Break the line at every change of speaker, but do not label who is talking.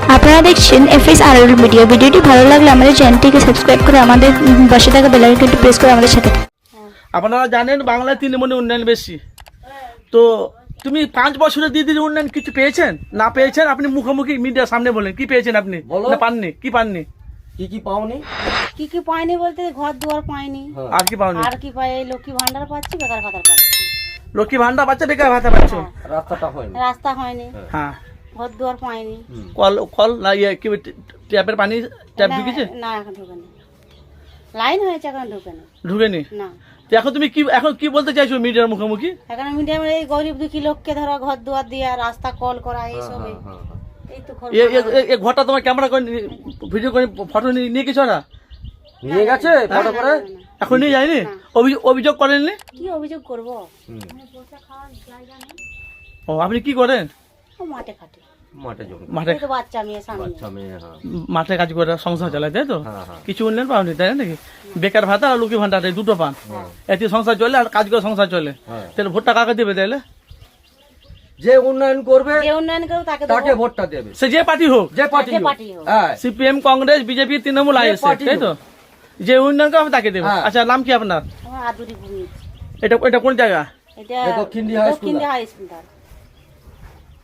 আপনারা দেখছেন FSRL media. ভিডিওটি ভালো লাগলে আমাদের চ্যানেলটিকে সাবস্ক্রাইব করে আমাদের পাশে থাকা বেল আইকনটি প্রেস করে আমাদের সাথে।
আপনারা জানেন বাংলায় তৃণমূলের উন্নয়ন বেশি। তো তুমি 5 বছরে দিদির উন্নয়ন কিছু পেয়েছেন? না পেয়েছেন আপনি মুখোমুখি মিডিয়ার সামনে বলেন কি পেয়েছেন আপনি? না পাননি? কি পাননি?
কি পাওনি?
কি পাইনি বলতে ঘর দুয়ার পাইনি।
আর কি পাওনি?
আর কি পাই? এই লক্ষ্মী ভান্ডার পাচ্ছি, বেকার ভাতা পাচ্ছি।
লক্ষ্মী ভান্ডার বাচ্চা বেকার ভাতা পাচ্ছ?
রাস্তাটা হয়নি।
রাস্তা হয়নি,
হ্যাঁ।
ঘর দুয়ার পাইনি।
কল না ইয়ে কি ট্যাপের পানি ট্যাপ ঢুকেছে?
না এখন ঢুকেনি, লাইন হয়েছে এখন ঢুকেনি।
ঢুকেনি?
না।
তো এখন কি বলতে চাইছো মিডিয়ার মুখোমুখি?
এখন মিডিয়াম এই গরিব দুঃখী লোককে ধরো ঘর দুয়ার দিয়া রাস্তা কল করা এইসব। এই তো
এই ঘরটা তোমার ক্যামেরা করে ভিডিও করে ফটো নিয়ে কিছু না
নিয়ে গেছে ফটো করে?
এখন নিয়ে যায়নি? অভিযোগ করেননি?
কি অভিযোগ করবো?
ও আপনি কি করেন?
ও মাঠে খাটে,
মাঠে জমি,
মাঠে
এই তো বাচ্চা মেয়ে সামনে।
বাচ্চা মেয়ে। হ্যাঁ
মাঠে কাজ করে সংসার চালায়, তাই তো?
হ্যাঁ, হ্যাঁ।
কিছু উন্নয়ন পাওনি তাই নাকি? বেকার ভাতা আর লক্ষ্মী ভান্ডার এই দুটো পান, এতে সংসার চলে আর কাজ করে সংসার চলে।
হ্যাঁ।
তাহলে ভোটটা কাকে দেবে তাহলে?
যে উন্নয়ন করবে
যে উন্নয়ন করবো তাকে
তাকে
দেবো।
ভোটটা দেবে,
সে যে পার্টি হোক,
যে পার্টি
যে পার্টি হোক।
হ্যাঁ
CPM, Congress, BJP, Trinamool, ISF,
party
তাই তো? যে উন্নয়ন করবে তাকে দেবে।
হ্যাঁ।
আচ্ছা, নাম কি আপনার?
আমার আদুরি ভূমি।
এটা কোন জায়গা?
এটা
দক্ষিণ দিহা হাই স্কুল।
দক্ষিণ দিহা হাই স্কুল।